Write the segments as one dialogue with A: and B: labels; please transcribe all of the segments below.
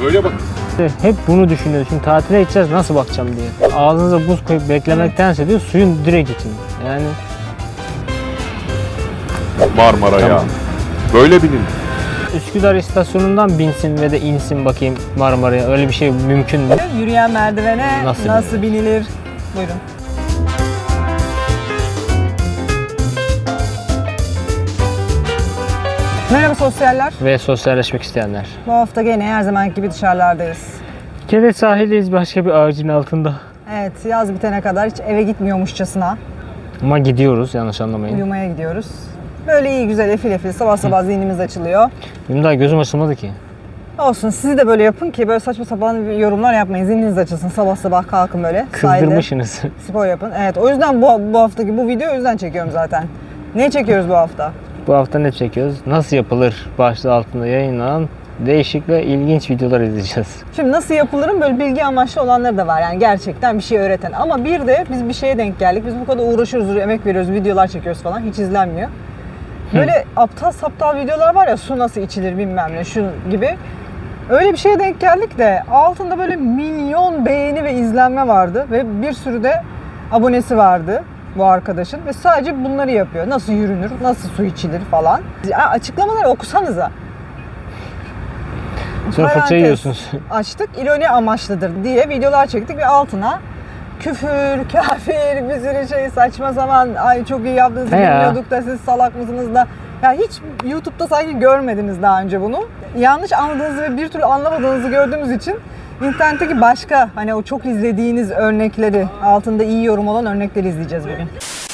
A: Böyle bak.
B: Hep bunu düşünüyoruz. Şimdi tatile gideceğiz, nasıl bakacağım diye. Ağzınıza buz koyup beklemektense diyor suyun direkt için. Yani
A: Marmara'ya.
B: Tamam.
A: Böyle binin.
B: Üsküdar istasyonundan binsin ve de insin bakayım Marmara'ya. Öyle bir şey mümkün mü?
C: Yürüyen merdivene
B: Nasıl
C: nasıl binilir? Buyurun. Merhaba sosyaller.
B: Ve sosyalleşmek isteyenler.
C: Bu hafta gene her zamanki gibi dışarılardayız.
B: Kere sahildeyiz başka bir ağacın altında.
C: Evet, yaz bitene kadar hiç eve gitmiyormuşçasına
B: Ama gidiyoruz, yanlış anlamayın.
C: uyumaya gidiyoruz. Böyle iyi güzel efil efil sabah sabah zihnimiz açılıyor.
B: Benim daha gözüm açılmadı ki.
C: Olsun, siz de böyle yapın ki böyle saçma sapan yorumlar yapmayın. Zihniniz açılsın, sabah sabah kalkın böyle.
B: Kızdırmışsınız.
C: Sahilde spor yapın. Evet, o yüzden bu haftaki bu videoyu o yüzden çekiyorum zaten. Ne çekiyoruz bu hafta?
B: Bu hafta ne çekiyoruz? Nasıl yapılır başlığı altında yayınlanan değişik ve ilginç videolar izleyeceğiz.
C: Şimdi nasıl yapılırın böyle bilgi amaçlı olanları da var. Yani gerçekten bir şey öğreten. Ama bir de biz bir şeye denk geldik. Biz bu kadar uğraşıyoruz, emek veriyoruz, videolar çekiyoruz falan. Hiç izlenmiyor. Böyle aptal saptal videolar var ya, su nasıl içilir bilmem ne şu gibi. Öyle bir şeye denk geldik de altında böyle milyon beğeni ve izlenme vardı. Ve bir sürü de abonesi vardı bu arkadaşın. Ve sadece bunları yapıyor. Nasıl yürünür, nasıl su içilir falan. Açıklamaları okusanıza.
B: Sonra fırça
C: Parantez
B: yiyorsunuz.
C: açtık, ironi amaçlıdır diye videolar çektik ve altına küfür, kafir, bir sürü şey, saçma sapan, ay çok iyi yaptınız,
B: He ya.
C: bilmiyorduk da siz salak mısınız da. Ya hiç YouTube'da sanki görmediniz daha önce bunu. Yanlış anladığınızı ve bir türlü anlamadığınızı gördüğümüz için internetteki başka hani o çok izlediğiniz örnekleri, altında iyi yorum olan örnekleri izleyeceğiz bugün.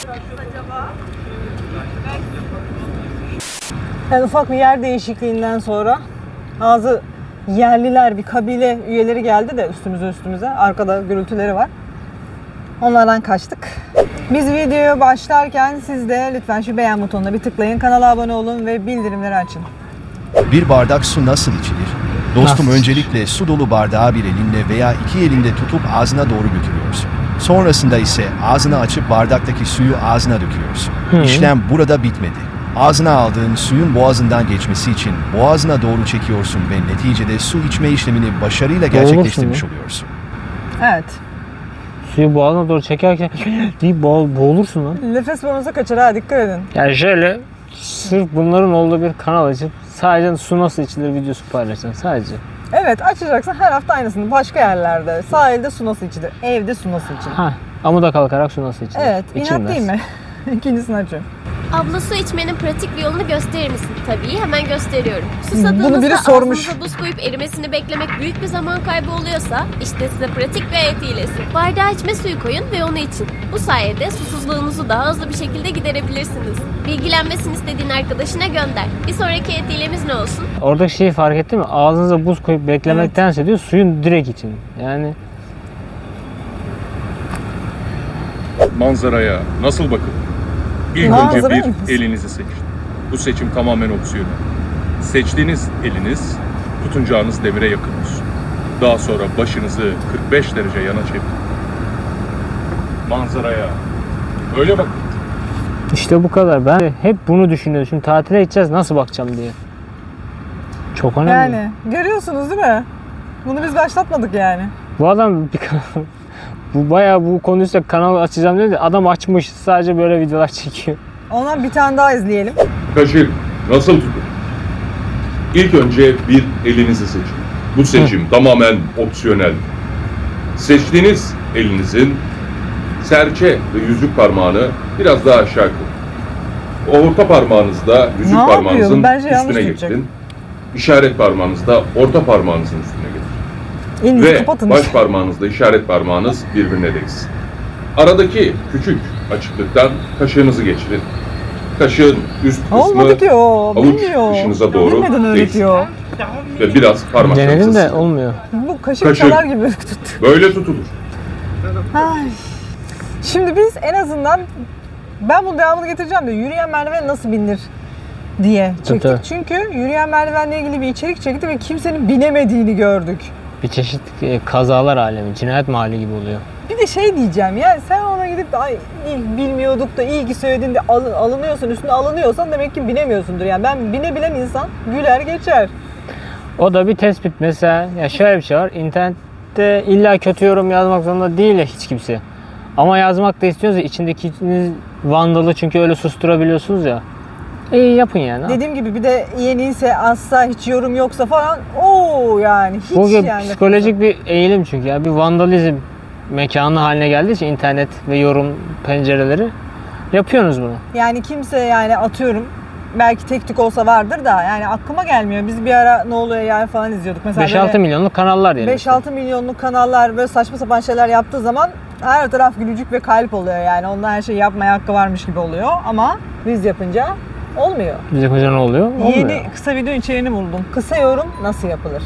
C: Yani ufak bir yer değişikliğinden sonra bazı yerliler, bir kabile üyeleri geldi de üstümüze. Arkada gürültüleri var. Onlardan kaçtık. Biz videoya başlarken siz de lütfen şu beğen butonuna bir tıklayın. Kanala abone olun ve bildirimleri açın.
D: Bir bardak su nasıl içilir? Dostum,
B: Nasıl?
D: öncelikle su dolu bardağı bir elinle veya iki elinde tutup ağzına doğru götürüyorsun. Sonrasında ise ağzını açıp bardaktaki suyu ağzına döküyorsun. İşlem burada bitmedi. Ağzına aldığın suyun boğazından geçmesi için boğazına doğru çekiyorsun ve neticede su içme işlemini başarıyla gerçekleştirmiş oluyorsun.
C: Evet.
B: Suyu boğazına doğru çekerken deyip boğulursun lan.
C: Nefes borunuza kaçar ha, dikkat edin.
B: Yani şöyle sırf bunların olduğu bir kanal açıp sadece su nasıl içilir videosu paylaşacaksın sadece.
C: Evet, açacaksın her hafta aynısını. Başka yerlerde. Sahilde su nasıl içilir? Evde su nasıl içilir?
B: Ha, amuda kalkarak su nasıl içilir?
C: Evet, inat
B: İçilmez.
C: değil mi? İkincisini açıyorum.
E: Abla, su içmenin pratik bir yolunu gösterir misin? Tabii, hemen gösteriyorum.
C: Bunu
E: Susadığınızda
C: biri sormuş.
E: ağzınıza buz koyup erimesini beklemek büyük bir zaman kaybı oluyorsa işte size pratik bir ayet hilesi. Bardağa içme suyu koyun ve onu için. Bu sayede susuzluğunuzu daha hızlı bir şekilde giderebilirsiniz. Bilgilenmesini istediğin arkadaşına gönder. Bir sonraki ayet hilemiz ne olsun?
B: Oradaki şeyi fark ettin mi? Ağzınıza buz koyup beklemektense diyor suyun direkt için. Yani
A: Manzaraya nasıl bakın? İlk
C: Manzara
A: önce
C: mı?
A: bir elinizi seçin. Bu seçim tamamen opsiyonel. Seçtiğiniz eliniz tutunacağınız demire yakın olsun. Daha sonra başınızı 45 derece yana çevirin. Manzaraya öyle bakın.
B: işte bu kadar. Ben hep bunu düşünüyorum. Şimdi tatile gideceğiz, nasıl bakacağım diye. Çok önemli.
C: Yani görüyorsunuz değil mi? Bunu biz başlatmadık yani.
B: Bu adam bir bu bayağı bu konuysa kanal açacağım dedi. Adam açmış. Sadece böyle videolar çekiyor.
C: Ondan bir tane daha izleyelim.
A: Kaşık nasıl tutun? İlk önce bir elinizi seçin. Bu seçim tamamen opsiyonel. Seçtiğiniz elinizin serçe ve yüzük parmağını biraz daha aşağı koyun. Orta parmağınızda yüzük
C: Ne
A: parmağınızın
C: yapıyorum? Bence yanlış
A: üstüne
C: tutacak.
A: getirin. İşaret parmağınızda orta parmağınızın üstüne getirin.
C: Elinizi
A: Ve
C: kapatın.
A: baş parmağınızla işaret parmağınız birbirine değsin. Aradaki küçük açıklıktan kaşığınızı geçirin. Kaşığın üst kısmı
C: Olmadı ki o.
A: avuç
C: Bilmiyor.
A: dışınıza doğru
C: Bilmeden
A: değsin.
C: öğretiyor.
A: Ve biraz parmaklarınızı
B: Denedim de
A: sıkın.
B: olmuyor.
C: Bu kaşık
A: Kaşık.
C: çalar gibi tuttu.
A: Böyle tutulur.
C: Ay. Şimdi biz en azından ben bunun devamını getireceğim de yürüyen merdiven nasıl binilir diye çektik.
B: Tabii.
C: Çünkü yürüyen merdivenle ilgili bir içerik çekti ve kimsenin binemediğini gördük.
B: Bir çeşit kazalar alemi, cinayet mahalli gibi oluyor.
C: Bir de şey diyeceğim ya, sen ona gidip de ay bilmiyorduk da iyi ki söyledin de alınıyorsun, üstüne alınıyorsan demek ki binemiyorsundur. Yani ben binebilen insan güler geçer.
B: O da bir tespit. Mesela ya şöyle bir şey var. İnternette illa kötü yorum yazmak zorunda değil ya hiç kimse. Ama yazmak da istiyorsa içindeki vandalı çünkü öyle susturabiliyorsunuz ya. İyi yapın yani.
C: Dediğim gibi bir de yeniyse asla hiç yorum yoksa falan o yani hiç
B: Bu
C: yani.
B: psikolojik bir eğilim çünkü ya bir vandalizm mekanı haline geldiği için internet ve yorum pencereleri yapıyorsunuz bunu.
C: Yani kimse yani atıyorum belki tek tük olsa vardır da yani aklıma gelmiyor. Biz bir ara ne oluyor yani falan izliyorduk. Mesela
B: 5-6 milyonluk kanallar diyelim.
C: 5-6 milyonluk kanallar böyle saçma sapan şeyler yaptığı zaman her taraf gülücük ve kalp oluyor yani. Ondan her şeyi yapmaya hakkı varmış gibi oluyor ama biz yapınca olmuyor.
B: Biz yapınca ne oluyor? Olmuyor.
C: Yeni kısa video içeriğini buldum. Kısa yorum nasıl yapılır?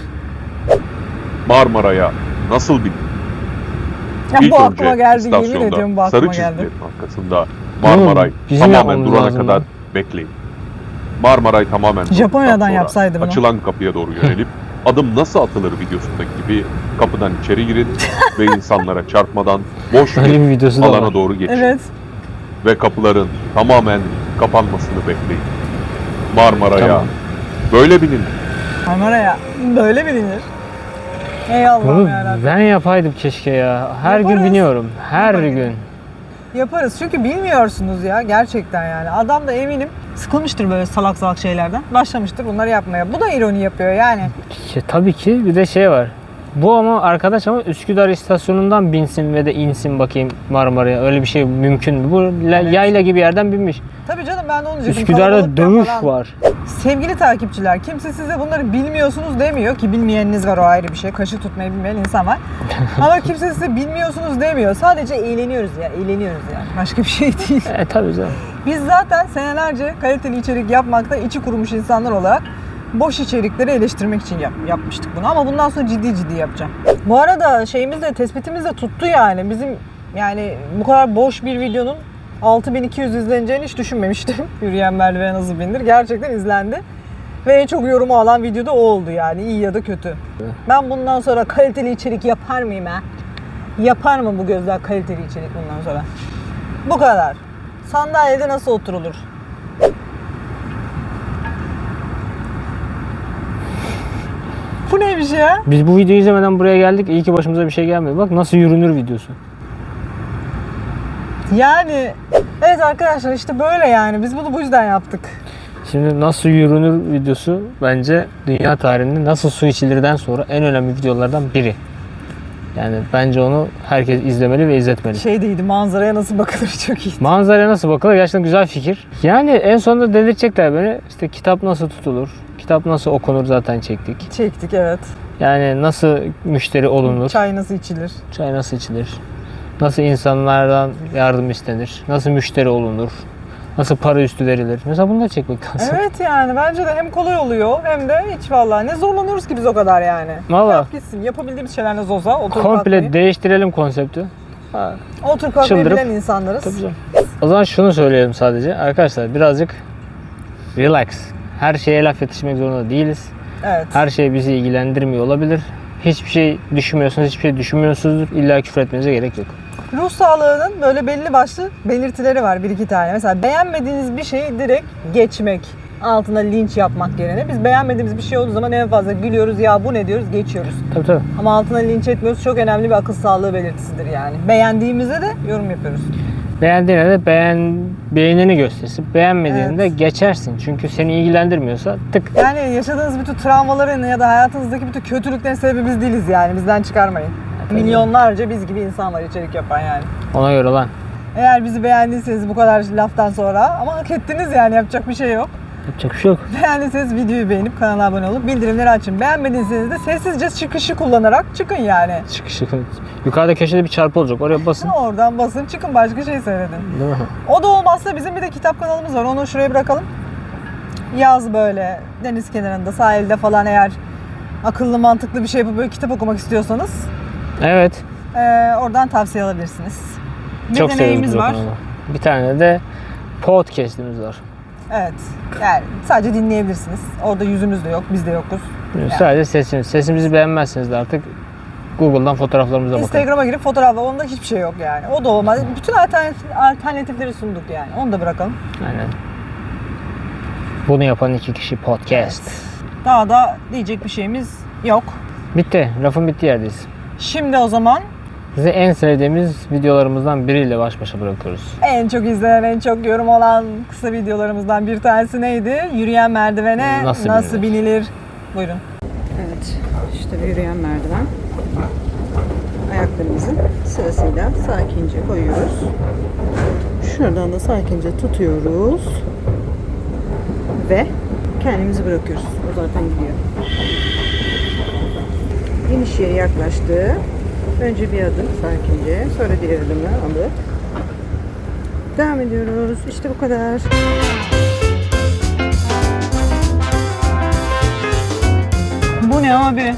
F: Marmara'ya nasıl bin?
C: Ya
F: İlk
C: bu
F: önce
C: aklıma geldi yemin
F: istasyonda
C: ediyorum bu
F: sarı
C: aklıma geldi.
F: çizgilerin arkasında Marmaray
B: bizim
F: tamamen
B: yapmamız
F: durana
B: lazım
F: kadar
B: ya.
F: bekleyin. Marmaray tamamen durduktan
C: Japonya'dan
F: sonra
C: yapsaydım ya.
F: açılan kapıya doğru yönelip adım nasıl atılır videosundaki gibi kapıdan içeri girin ve insanlara çarpmadan boş
B: Öyle bir
F: bir
B: videosu da
F: alana
B: var.
F: doğru geçin.
C: Evet.
F: Ve kapıların tamamen kapanmasını bekleyin. Marmara'ya
B: Tamam.
F: böyle binin.
C: Marmara'ya böyle bilinir. Ey Allah'ım
B: Bunu
C: yarabbim.
B: ben yapaydım keşke ya. Her gün
C: Yaparız.
B: biniyorum. Her
C: Yaparız.
B: gün.
C: Yaparız çünkü bilmiyorsunuz ya gerçekten yani. Adam da eminim sıkılmıştır böyle salak salak şeylerden. Başlamıştır bunları yapmaya. Bu da ironi yapıyor yani.
B: Tabii ki bir de şey var. Bu ama arkadaş ama Üsküdar istasyonundan binsin ve de insin bakayım Marmara'ya. Öyle bir şey mümkün mü? Bu yayla gibi yerden binmiş.
C: Tabii canım ben de onu diyecektim.
B: Üsküdar'da
C: Kalabalıktan
B: dövüş
C: falan.
B: var.
C: Sevgili takipçiler kimse size bunları bilmiyorsunuz demiyor ki bilmeyeniniz var o ayrı bir şey. Kaşı tutmayı bilmeyen insan var. Ama kimse size bilmiyorsunuz demiyor. Sadece eğleniyoruz ya. Eğleniyoruz yani. Başka bir şey değil.
B: Tabii canım.
C: Biz zaten senelerce kaliteli içerik yapmakta içi kurumuş insanlar olarak boş içerikleri eleştirmek için yapmıştık bunu. Ama bundan sonra ciddi ciddi yapacağım. Bu arada şeyimiz de tespitimiz de tuttu yani. Bizim yani bu kadar boş bir videonun 6200 izleneceğini hiç düşünmemiştim. Yürüyen merdivene nasıl bindir? Gerçekten izlendi. Ve en çok yorumu alan video da o oldu yani. İyi ya da kötü. Ben bundan sonra kaliteli içerik yapar mıyım ha? Yapar mı bu gözler kaliteli içerik bundan sonra? Bu kadar. Sandalyede nasıl oturulur? Bu neymiş ya?
B: Biz bu videoyu izlemeden buraya geldik. İyi ki başımıza bir şey gelmedi. Bak nasıl yürünür videosu.
C: Yani evet arkadaşlar işte böyle yani. Biz bunu bu yüzden yaptık.
B: Şimdi nasıl yürünür videosu bence dünya tarihinde nasıl su içilirden sonra en önemli videolardan biri. Yani bence onu herkes izlemeli ve izletmeli.
C: Şey değildi, manzaraya nasıl bakılır çok iyi.
B: Manzaraya nasıl bakılır? Gerçekten güzel fikir. Yani en sonunda delirtecekler beni. İşte kitap nasıl tutulur? Kitap nasıl okunur zaten çektik.
C: Çektik evet.
B: Yani nasıl müşteri olunur?
C: Çay nasıl içilir?
B: Çay nasıl içilir? Nasıl insanlardan yardım istenir? Nasıl müşteri olunur? Nasıl para üstü verilir? Mesela bunu da çekmek lazım.
C: Evet yani bence de hem kolay oluyor hem de hiç vallahi ne zorlanıyoruz ki biz o kadar yani.
B: Valla.
C: Yap gitsin. Yapabildiğimiz şeyler ne olsa oturup
B: Komple
C: kalkmayı.
B: değiştirelim konsepti. Ha,
C: Oturup kalkmayı
B: çıldırıp-
C: bilen insanlarız.
B: tabii canım. O zaman şunu söyleyelim sadece. Arkadaşlar birazcık relax. Her şeye laf yetişmek zorunda değiliz.
C: Evet.
B: Her şey bizi ilgilendirmiyor olabilir. Hiçbir şey düşünmüyorsunuz, hiçbir şey düşünmüyorsunuzdur. İlla küfür etmenize gerek yok.
C: Ruh sağlığının böyle belli başlı belirtileri var bir iki tane. Mesela beğenmediğiniz bir şeyi direkt geçmek. Altına linç yapmak yerine. Biz beğenmediğimiz bir şey olduğu zaman en fazla gülüyoruz ya bu ne diyoruz geçiyoruz.
B: Tabii tabii.
C: Ama altına linç etmiyoruz çok önemli bir akıl sağlığı belirtisidir yani. Beğendiğimizde de yorum yapıyoruz.
B: Beğendiğine de beğenini göstersin. Beğenmediğinde
C: Evet.
B: geçersin. Çünkü seni ilgilendirmiyorsa tık.
C: Yani yaşadığınız bütün travmaların ya da hayatınızdaki bütün kötülüklerin sebebi biz değiliz yani. Bizden çıkarmayın.
B: tabii.
C: Milyonlarca biz gibi insan var içerik yapan yani.
B: Ona göre lan.
C: Eğer bizi beğendiyseniz bu kadar laftan sonra ama hak ettiniz yani yapacak bir şey yok.
B: Yapacak bir şey yok.
C: Beğendiyseniz videoyu beğenip kanala abone olup bildirimleri açın. Beğenmediyseniz de sessizce çıkışı kullanarak çıkın yani.
B: Çıkışı. Yukarıda köşede bir çarpı olacak. Oraya basın.
C: Oradan basın çıkın başka şey seyredin.
B: Değil mi?
C: O da olmazsa bizim bir de kitap kanalımız var. Onu şuraya bırakalım. Yaz böyle deniz kenarında sahilde falan eğer akıllı mantıklı bir şey yapıp böyle kitap okumak istiyorsanız
B: Evet.
C: oradan tavsiye alabilirsiniz. Bir
B: Çok seviyoruz
C: deneyimiz
B: bu
C: var.
B: kanalı. Bir tane de podcast'imiz var.
C: Evet. Yani sadece dinleyebilirsiniz. Orada yüzümüz de yok, biz de yokuz.
B: Sadece sesimiz. Sesimizi beğenmezseniz de artık Google'dan fotoğraflarımıza bakın.
C: Instagram'a girip fotoğrafla onda hiçbir şey yok yani. O da olmaz. Bütün alternatifleri sunduk yani. Onu da bırakalım.
B: Aynen. Bunu yapan iki kişi podcast.
C: Daha da diyecek bir şeyimiz yok.
B: Bitti. Rafın bittiği yerdeyiz.
C: Şimdi o zaman
B: Sizi en sevdiğimiz videolarımızdan biriyle baş başa bırakıyoruz.
C: en çok izlenen, en çok yorum olan kısa videolarımızdan bir tanesi neydi? Yürüyen merdivene
B: Nasıl
C: nasıl
B: binilir?
C: binilir? Buyurun. Evet, işte bir yürüyen merdiven. Ayaklarımızı sırasıyla sakince koyuyoruz. Şuradan da sakince tutuyoruz. Ve kendimizi bırakıyoruz. O zaten gidiyor. Geniş yere yaklaştı. Önce bir adım sakince, sonra diğer adımı alıp devam ediyoruz. İşte bu kadar. Bu ne abi?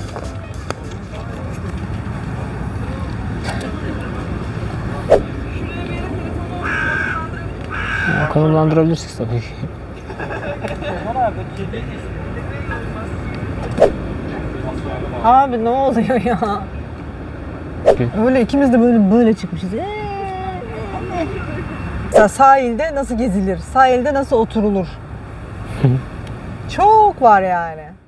B: Konumlandırabilirsiniz tabii ki.
C: Abi ne oluyor ya? Öyle ikimiz de böyle çıkmışız. Mesela sahilde nasıl gezilir? Sahilde nasıl oturulur? Çok var yani.